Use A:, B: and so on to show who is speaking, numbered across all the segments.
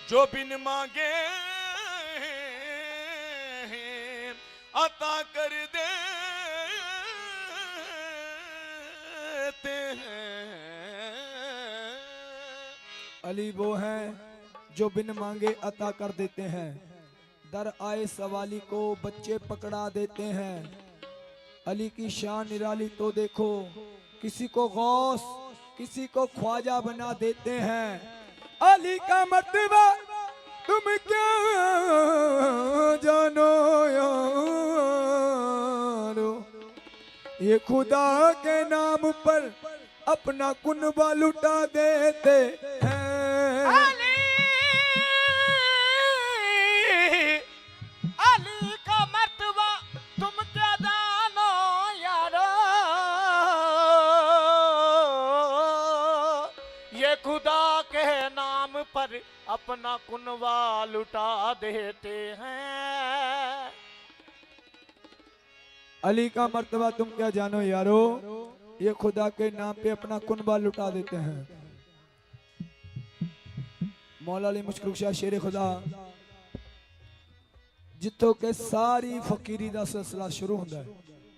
A: जो बिन मांगे अता कर देते हैं।
B: अली वो हैं जो बिन मांगे अता कर देते हैं, दर आए सवाली को बच्चे पकड़ा देते हैं। अली की शान निराली तो देखो, किसी को गौस किसी को ख्वाजा बना देते हैं। अली का मर्तबा तुम क्या जानो यारो, ये खुदा के नाम पर अपना कुनबा लुटा देते हैं।
C: अली का मर्तबा तुम क्या जानो यारो, ये खुदा के नाम पर अपना कुनबा लुटा देते हैं।
B: अली का मर्तबा तुम क्या जानो यारो, ये खुदा के नाम पे अपना कुनबा लुटा देते हैं। मौला अली मुश्किल कुशा शेर खुदा जिथों के सारी फकीरी दा सिलसिला शुरू होंदा है,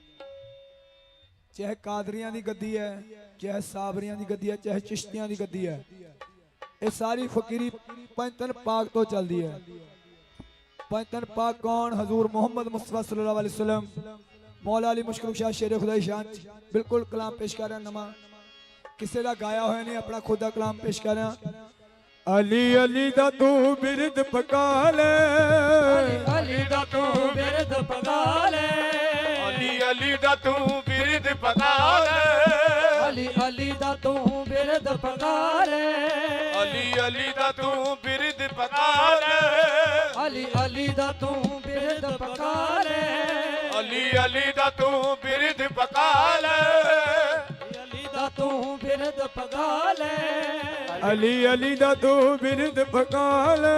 B: चाहे कादरियां दी गद्दी है, चाहे साबरियां दी गद्दी है, चाहे चिश्तियां दी गद्दी है, ये सारी फकीरी पंजतन पाक तो चलती है। पंजतन पाक कौन? हजूर मोहम्मद मुस्तफा सल्लल्लाहु अलैहि वसल्लम। मौला अली मुश्किल कुशा शेर खुदा की शान बिल्कुल कलाम पेश कर रहा, नमा किसी का गाया होया नहीं, अपना खुद का कलाम पेश कर रहा। अली अली दा तू बिरद पका ले,
C: अली दा तू बिरद पका ले,
A: अली अली दा तू बिरद पका ले,
C: अली अली दा तू बिरद पका ले,
A: अली अली दा तू बिरद पका ले,
C: अली अली दा तू बिरद पका ले,
A: अली अली दा तू बिरद पका ले,
C: अली दा तू बिरद पका ले,
B: अली अली दा तू बिरद पका ले,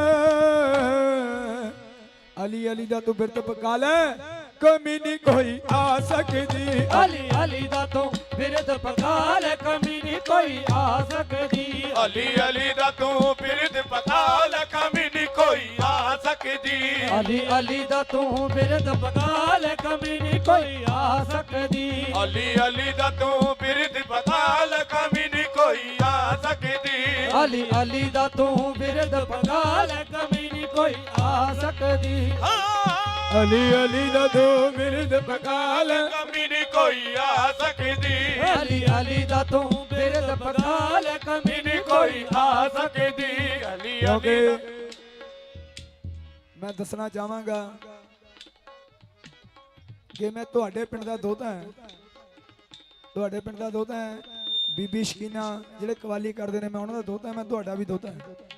B: अली अली दा तू बिरद पका ले, कमी नहीं कोई आ सकती।
C: अली अली दा तू बिरद पका ले, कमी नहीं कोई आ सकती।
A: अली अली दा तू बिरद पका ले, कमी नहीं कोई आ सकती।
C: अली अली दा तू बिरद पका ले, कमी नहीं कोई आ सकती।
A: अली अली दा तू बिरद पका ले, कमी नहीं कोई आ सकती।
C: अली अली दा तू बिरद पका ले, कमी नहीं कोई आ सकती।
B: अली अली दा तू बिरद पका ले,
A: कमी नहीं कोई आ सकती।
C: अली अली दा तू बिरद पका ले, कमी नहीं कोई आ सकती।
A: अली
B: क्योंकि
A: अली
B: मैं दसना चाहांगा कि मैं तुहाडे पिंड दा दोता है, तुहाडे पिंड दा दोता है। बीबी शकीना जिहड़े कवाली करदे ने, मैं उन्हां दा दोता है, मैं तुहाडा भी दोता है।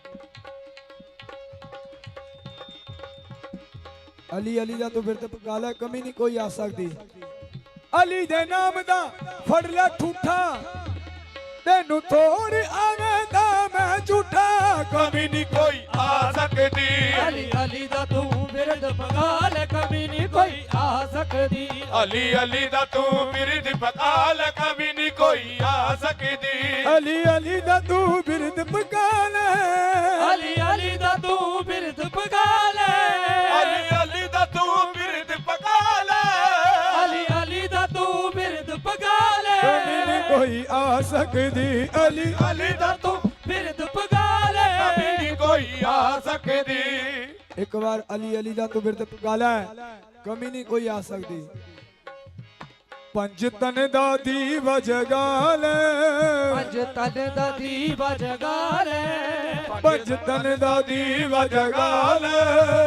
B: अली अली दा तू बिरद पका ले, कमी नहीं कोई आ सकदी। अली दे नाम दा फड़ ले ठूठा, तेनू थोड़ी आवेंदा मैं झूठा,
A: कमी नहीं कोई आ सकती।
C: अली अली दा तू बिरद पका ले, कमी नहीं कोई आ सकती।
A: अली अली दा तू बिरद पका ले, कमी नहीं कोई आ सकती।
B: अली अली दा तू बिरद पका ले,
C: अली अली दा तू बिरद पका ले,
A: अली अली दा तू बिरद पका ले,
C: अली अली दा तू बिरद पका ले,
B: कमी नहीं कोई आ सकदी। अली
C: अली दा तू बिरद पका ले,
A: कमी नहीं कोई आ सकती।
B: एक बार अली अली दा तू बिरद पका ले, कमी नहीं कोई आ सकदी। पंज तन दा दीवा जगा ले,
C: पंज तन दा दीवा जगा ले,
B: पंज तन दा दीवा जगा ले,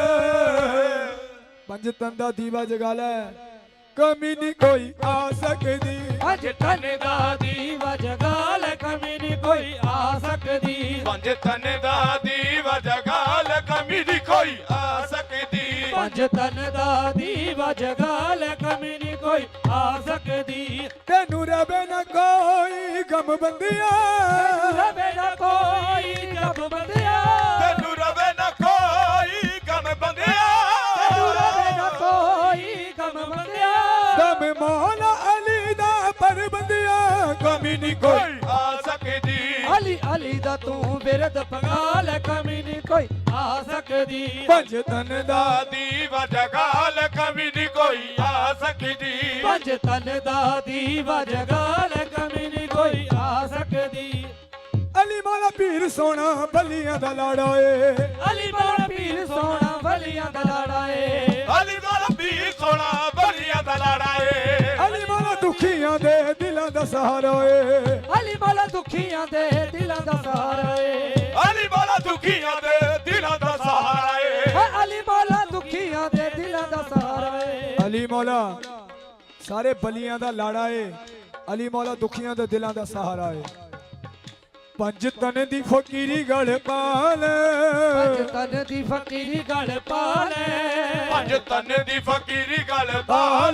B: पंज तन दा दीवा जगा ले, कमी नहीं कोई आ सकदी।
C: पंज तन दा दीवा जगा ले, कमी नहीं कोई आ सकदी।
A: पंज तन दा दीवा जगा ले, कमी नहीं कोई आ सकती।
C: पंज तन दा दीवा जगा ले, कमी नहीं कोई आ सकदी।
B: तेनू रवे न कोई गम बंदिया,
C: रवे ना कोई गम बंदिया,
A: तेनू रवे न कोई गम बंदिया,
C: तेनू रवे ना कोई गम बंदिया।
B: दम मौला अली दा पर बंदिया,
A: कमी नहीं कोई आ सकती।
C: ਅਲੀ ਅਲੀ ਦਾ ਤੂੰ ਬਿਰਦ ਪਗਾ ਲੈ ਕਮੀ ਨਹੀਂ ਕੋਈ ਆ ਸਕਦੀ
B: ਪੰਜ ਤਨ ਦਾ
A: ਦੀਵਾ ਜਗਾਲ ਕਮੀ ਨੀ ਕੋਈ ਆ ਸਕਦੀ
C: ਪੰਜ ਤਨ ਦਾ ਦੀਵਾ ਜਗਾ ਲੈ ਕਮੀ ਨਹੀਂ ਕੋਈ ਆ ਸਕਦੀ
B: ਅਲੀ ਮੌਲਾ ਪੀਰ ਸੋਹਣਾ ਬਲੀਆਂ ਦਾ ਲਾੜਾ ਏ
C: ਅਲੀ ਮੌਲਾ ਪੀਰ ਸੋਹਣਾ ਬਲੀਆਂ ਦਾ ਲਾੜਾ ਏ
A: ਅਲੀ ਮੌਲਾ ਪੀਰ ਸੋਹਣਾ ਬਲੀਆਂ ਦਾ ਲਾੜਾ ਏ
B: ਅਲੀ ਮੌਲਾ ਦੁਖੀਆਂ ਦੇ ਦਿਲਾਂ ਦਾ ਸਹਾਰਾ ਏ
C: ਅਲੀ ਮੌਲਾ ਦੁਖੀਆਂ ਦੇ ਦਿਲਾਂ ਦਾ ਸਹਾਰਾ ਏ
A: ਅਲੀ ਮੌਲਾ ਦੁਖੀਆਂ ਦੇ ਦਿਲਾਂ ਦਾ ਸਹਾਰਾ ਏ
C: ਅਲੀ ਮੌਲਾ ਦੁਖੀਆਂ ਦੇ ਦਿਲਾਂ ਦਾ ਸਹਾਰਾ ਏ
B: ਅਲੀ ਮੌਲਾ ਸਾਰੇ ਬਲੀਆਂ ਦਾ ਲਾੜਾ ਏ ਅਲੀ ਮੌਲਾ ਦੁਖੀਆਂ ਦੇ ਦਿਲਾਂ ਦਾ ਸਹਾਰਾ ਏ ਪੰਜ ਤਨ ਦੀ ਫਕੀਰੀ ਗਲ ਪਾਲ
C: ਪੰਜ ਤਨ ਦੀ ਫਕੀਰੀ ਗਲ ਪਾ ਲੈ
A: ਪੰਜ ਤਨ ਦੀ ਫਕੀਰੀ ਗੱਲ
B: ਪਾਲ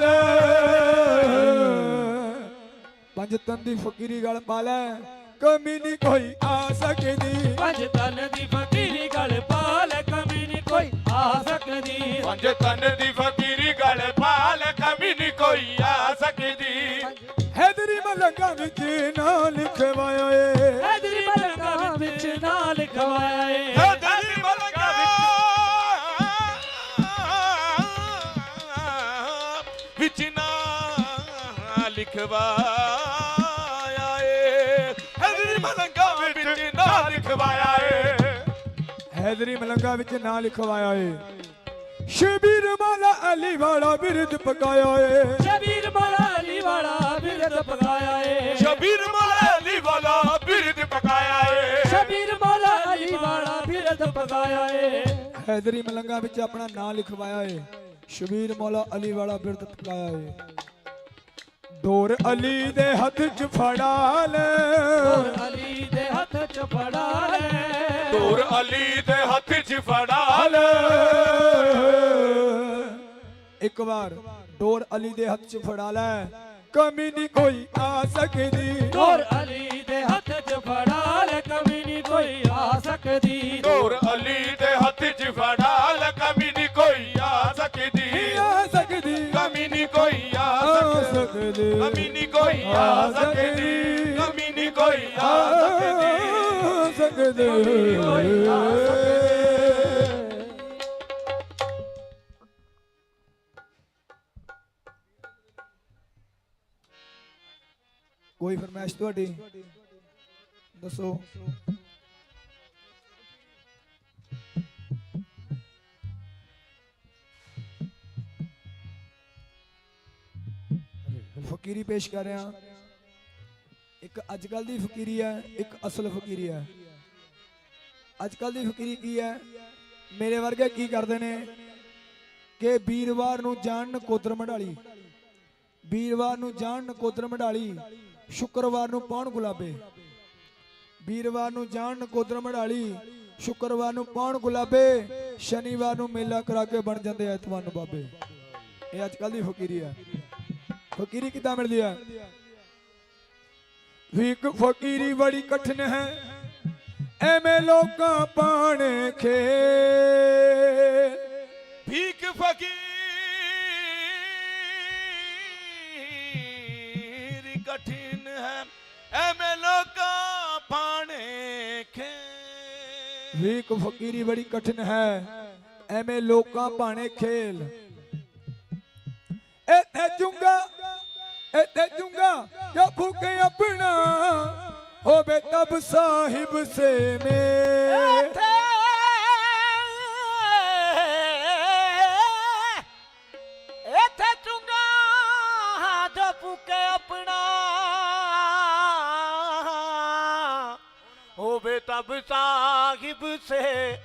B: ਪੰਜ ਤਨ ਦੀ ਫਕੀਰੀ ਗਲ ਪਾਲ ਕਮੀ ਨਹੀਂ ਕੋਈ ਆ ਸਕਦੀ
C: ਪੰਜ ਤਨ ਦੀ ਫਕੀਰੀ ਗਲ ਪਾ ਲੈ ਕਮੀ ਨਹੀਂ ਕੋਈ ਆ ਸਕਦੀ
A: ਪੰਜ ਤਨ ਦੀ ਫਕੀਰੀ ਗੱਲ ਪਾਲ ਕਮੀ ਨੀ ਕੋਈ ਆ ਸਕਦੀ
B: ਹੈਦਰੀ ਮਲੰਗਾ ਵਿੱਚ ਨਾ ਲਿਖਵਾਇਆ ਏ
C: ਹੈਦਰੀ ਮਲੰਗਾ ਵਿੱਚ ਨਾ ਲਿਖਵਾਇਆ ਏ
A: ਦਿਲ ਮਲੰਗਾ ਵਿੱਚ ਨਾ ਲਿਖਵਾਇਆ ਏ ਦਿਲ ਮਲੰਗਾ ਵਿੱਚ ਨਾ ਲਿਖਵਾਇਆ ਏ
B: ਹੈਦਰੀ ਮਲੰਗਾ ਵਿੱਚ ਨਾ ਲਿਖਵਾਇਆ ਏ ਸ਼ਬੀਰ ਮੌਲਾ ਅਲੀ ਵਾਲਾ ਬਿਰਦ ਪਕਾਇਆ ਏ
C: ਸ਼ਬੀਰ ਮੌਲਾ ਅਲੀ ਵਾਲਾ ਬਿਰਦ ਪਕਾਇਆ ਏ
A: ਸ਼ਬੀਰ ਮੌਲਾ ਅਲੀ ਵਾਲਾ ਬਿਰਦ ਪਕਾਇਆ ਏ
C: ਸ਼ਬੀਰ ਮੌਲਾ ਅਲੀ ਵਾਲਾ ਬਿਰਦ ਪਕਾਇਆ ਏ
B: ਹੈਦਰੀ ਮਲੰਗਾ ਵਿੱਚ ਆਪਣਾ ਨਾਂ ਲਿਖਵਾਇਆ ਏ ਸ਼ਬੀਰ ਮੌਲਾ ਅਲੀ ਵਾਲਾ ਬਿਰਦ ਪਕਾਇਆ ਏ ਡੋਰ ਅਲੀ ਦੇ ਹੱਥ 'ਚ ਫੜਾ ਲੈ
C: ਡੋਰ ਅਲੀ ਦੇ ਹੱਥ 'ਚ ਫੜਾ ਲੈ
A: ਡੋਰ ਅਲੀ ਦੇ ਹੱਥ 'ਚ ਫੜਾ ਲੈ
B: ਇੱਕ ਵਾਰ ਡੋਰ ਅਲੀ ਦੇ ਹੱਥ 'ਚ ਫੜਾ ਲੈ ਕਮੀ ਨਹੀਂ ਕੋਈ ਆ ਸਕਦੀ
C: ਡੋਰ ਅਲੀ ਦੇ ਹੱਥ 'ਚ ਫੜਾ ਲੈ ਕਮੀ ਨਹੀਂ ਕੋਈ ਆ ਸਕਦੀ
A: ਡੋਰ ਅਲੀ ਦੇ ਹੱਥ 'ਚ ਫੜਾ ਲੈ ਕਮੀ ਨੀ ਕੋਈ ਆ ਸਕਦੀ
B: ਆ ਸਕਦੀ
A: ਕਮੀ ਨੀ ਕੋਈ ਆ ਸਕਦੀ ਕਮੀ ਨੀ ਕੋਈ ਆ ਸਕਦੀ ਕਮੀ ਨੀ ਕੋਈ ਆ ਸਕਦੀ
B: ਕੋਈ ਫਰਮਾਇਸ਼ ਤੁਹਾਡੀ ਦੱਸੋ ਫਕੀਰੀ ਪੇਸ਼ ਕਰ ਰਿਹਾ ਇੱਕ ਅੱਜ ਕੱਲ ਦੀ ਫਕੀਰੀ ਹੈ ਇੱਕ ਅਸਲ ਫਕੀਰੀ ਹੈ ਅੱਜ ਕੱਲ ਦੀ ਫਕੀਰੀ ਕੀ ਹੈ ਮੇਰੇ ਵਰਗੇ ਕੀ ਕਰਦੇ ਨੇ ਕਿ ਵੀਰਵਾਰ ਨੂੰ ਜਾਣ ਨਕੋਦਰ ਮਢਾਲੀ ਵੀਰਵਾਰ ਨੂੰ ਜਾਣ ਨਕੋਦਰ ਮਢਾਲੀ ਸ਼ੁੱਕਰਵਾਰ ਨੂੰ ਪਾਉਣ ਗੁਲਾਬੇ ਵੀਰਵਾਰ ਨੂੰ ਜਾਣ ਨਕੋਦਰ ਮਢਾਲੀ ਸ਼ੁੱਕਰਵਾਰ ਨੂੰ ਪਾਉਣ ਗੁਲਾਬੇ ਸ਼ਨੀਵਾਰ ਨੂੰ ਮੇਲਾ ਕਰਾ ਕੇ ਬਣ ਜਾਂਦੇ ਐਤਵਾਰ ਨੂੰ ਬਾਬੇ ਇਹ ਅੱਜ ਕੱਲ ਦੀ ਫਕੀਰੀ ਹੈ ਫਕੀਰੀ ਕਿੱਦਾਂ ਮਿਲਦੀ ਹੈ ਵੀ ਇੱਕ ਫਕੀਰੀ ਬੜੀ ਕਠਿਨ ਹੈ ਐਵੇਂ ਲੋਕਾਂ ਪਾਣੇ ਖੇ
A: ਭੀਖ ਫਕੀਰ ਕਠਿਨ ਹੈ ਐਵੇਂ ਲੋਕਾਂ ਪਾਣੇ ਖੇ
B: ਵੀ ਇੱਕ ਫਕੀਰੀ ਬੜੀ ਕਠਿਨ ਹੈ ਐਵੇਂ ਲੋਕਾਂ ਪਾਣੇ ਖੇਲ ਇੱਥੇ ਜੂੰਗਾ ਜੋ ਫੂਕੇ ਆਪਣਾ ਹੋਵੇ ਤਬ ਸਾਹਿਬ ਸੇ ਮੇ
C: ਇੱਥੇ ਚੁੰਗਾ ਜੋ ਫੂਕੇ ਆਪਣਾ ਹੋਵੇ ਤਬ ਸਾਹਿਬ ਸੇ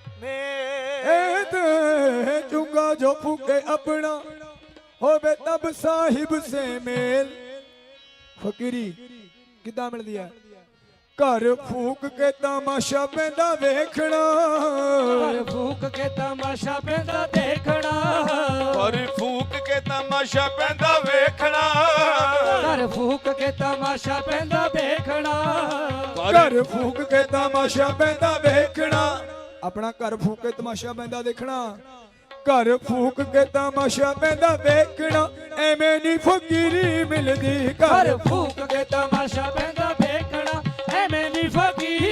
B: ਇੱਥੇ ਜੂੰਗਾ ਜੋ ਫੂਕੇ ਆਪਣਾ ਹੋਵੇ ਤਬ ਸਾਹਿਬ ਸੇ ਮੇਲ ਫਕੀਰੀ ਕਿੱਦਾਂ ਮਿਲਦੀ ਹੈ ਘਰ ਫੂਕ ਕੇ ਤਮਾਸ਼ਾ ਪੈਂਦਾ ਵੇਖਣਾ
C: ਘਰ ਫੂਕ ਕੇ ਤਮਾਸ਼ਾ ਪੈਂਦਾ ਦੇਖਣਾ
A: ਪਰ ਫੂਕ ਕੇ ਤਮਾਸ਼ਾ ਪੈਂਦਾ ਵੇਖਣਾ
C: ਘਰ ਫੂਕ ਕੇ ਤਮਾਸ਼ਾ ਪੈਂਦਾ ਵੇਖਣਾ
B: ਘਰ ਫੂਕ ਕੇ ਤਮਾਸ਼ਾ ਪੈਂਦਾ ਵੇਖਣਾ ਆਪਣਾ ਘਰ ਫੂਕ ਕੇ ਤਮਾਸ਼ਾ ਪੈਂਦਾ ਦੇਖਣਾ ਘਰ ਫੂਕ ਕੇ ਤਮਾਸ਼ਾ ਪੈਂਦਾ ਵੇਖਣਾ ਐਵੇਂ ਨਹੀਂ ਫਕੀਰੀ ਮਿਲਦੀ
C: ਘਰ ਫੂਕ ਕੇ ਤਮਾਸ਼ਾ ਪੈਂਦਾ ਵੇਖਣਾ ਐਵੇਂ ਨਹੀਂ ਫਕੀਰੀ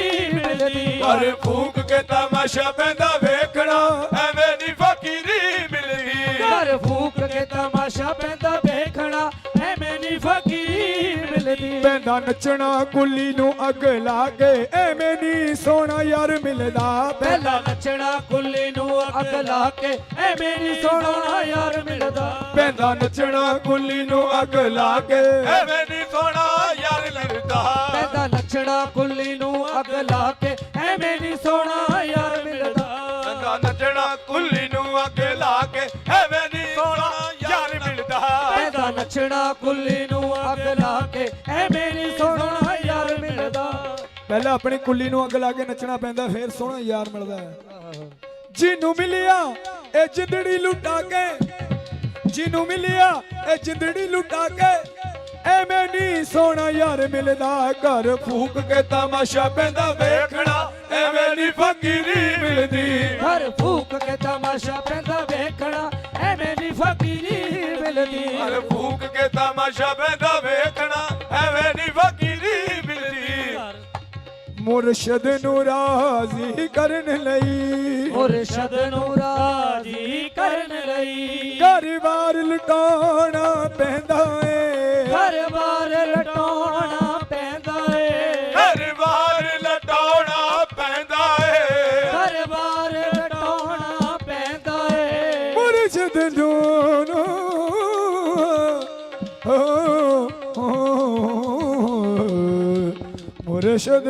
A: ਘਰ ਫੂਕ ਕੇ ਤਮਾਸ਼ਾ ਪੈਂਦਾ ਵੇਖਣਾ ਐਵੇਂ ਨੀ ਫਕੀਰੀ ਮਿਲਦੀ
C: ਘਰ ਫੂਕ ਕੇ ਤਮਾਸ਼ਾ ਪੈਂਦਾ ਵੇਖਣਾ ਐਵੇਂ ਨੀ ਫਕੀਰੀ ਮਿਲਦੀ
B: ਪੈਂਦਾ ਨੱਚਣਾ ਕੁੱਲੀ ਨੂੰ ਅੱਗ ਲਾ ਕੇ ਐਵੇਂ ਨੀ ਸੋਹਣਾ ਯਾਰ ਮਿਲਦਾ
C: ਪਹਿਲਾਂ ਨੱਚਣਾ ਕੁੱਲੀ ਨੂੰ ਅੱਗ ਲਾ ਕੇ ਐਵੇਂ ਨੀ ਸੋਹਣਾ ਯਾਰ ਮਿਲਦਾ
B: ਪੈਂਦਾ ਨੱਚਣਾ ਕੁੱਲੀ ਨੂੰ ਅੱਗ ਲਾ ਕੇ
A: ਐਵੇਂ ਨੀ ਸੋਹਣਾ ਯਾਰ ਮਿਲਦਾ
C: ਪੈਂਦਾ ਨੱਚਣਾ ਕੁੱਲੀ ਨੂੰ ਅੱਗ ਲਾ ਕੇ ਐਵੇਂ ਨੀ ਸੋਹਣਾ ਯਾਰ ਮਿਲਦਾ
A: ਪੈਂਦਾ ਨੱਚਣਾ ਕੁੱਲੀ ਨੂੰ ਅੱਗ ਲਾ ਕੇ ਐਵੇਂ ਨੀ ਸੋਹਣਾ ਯਾਰ ਮਿਲਦਾ
C: ਪੈਂਦਾ ਨੱਚਣਾ ਕੁੱਲੀ ਨੂੰ ਅੱਗ ਲਾ ਕੇ ਐਵੇਂ ਨੀ ਸੋਹਣਾ ਯਾਰ ਮਿਲਦਾ
B: ਪਹਿਲਾਂ ਆਪਣੀ ਕੁੱਲੀ ਨੂੰ ਅੱਗ ਲਾ ਕੇ ਨੱਚਣਾ ਪੈਂਦਾ ਫੇਰ ਸੋਹਣਾ ਯਾਰ ਮਿਲਦਾ ਹੈ ਜਿਹਨੂੰ ਮਿਲਿਆ ਇਹ ਜਿੰਦੜੀ ਲੁਟਾ ਕੇ ਜਿਹਨੂੰ ਮਿਲਿਆ ਇਹ ਜਿੰਦੜੀ ਲੁਟਾ ਕੇ ਐਵੇਂ ਨੀ ਸੋਹਣਾ ਯਾਰ ਮਿਲਦਾ ਘਰ ਫੂਕ ਕੇ ਤਮਾਸ਼ਾ ਪੈਂਦਾ ਵੇਖਣਾ ਐਵੇਂ ਨੀ ਫਕੀਰੀ ਮਿਲਦੀ
C: ਘਰ ਫੂਕ ਕੇ ਤਮਾਸ਼ਾ ਪੈਂਦਾ ਵੇਖਣਾ ਐਵੇਂ ਨੀ ਫਕੀਰੀ ਮਿਲਦੀ
A: ਘਰ ਫੂਕ ਕੇ ਤਮਾਸ਼ਾ ਪੈਂਦਾ ਵੇਖਣਾ ਐਵੇਂ ਨੀ ਫਕੀਰੀ ਮਿਲਦੀ
B: ਮੁਰਸ਼ਦ ਨੂੰ ਰਾਜ਼ੀ ਕਰਨ ਲਈ
C: ਮੁਰਸ਼ਦ ਨੂੰ ਰਾਜ਼ੀ ਕਰਨ ਲਈ
B: ਘਰ-ਬਾਰ ਲੁਟਾਉਣਾ ਪੈਂਦਾ ਏ
C: ਘਰ-ਬਾਰ ਲਟਾਉਣਾ ਪੈਂਦਾ ਏ
A: ਘਰ-ਬਾਰ ਲਟਾਉਣਾ ਪੈਂਦਾ ਏ
C: ਘਰ-ਬਾਰ ਲਟਾਉਣਾ ਪੈਂਦਾ ਏ
B: ਮੁਰਸ਼ਦ ਨੂੰ ਮੁਰਸ਼ਦ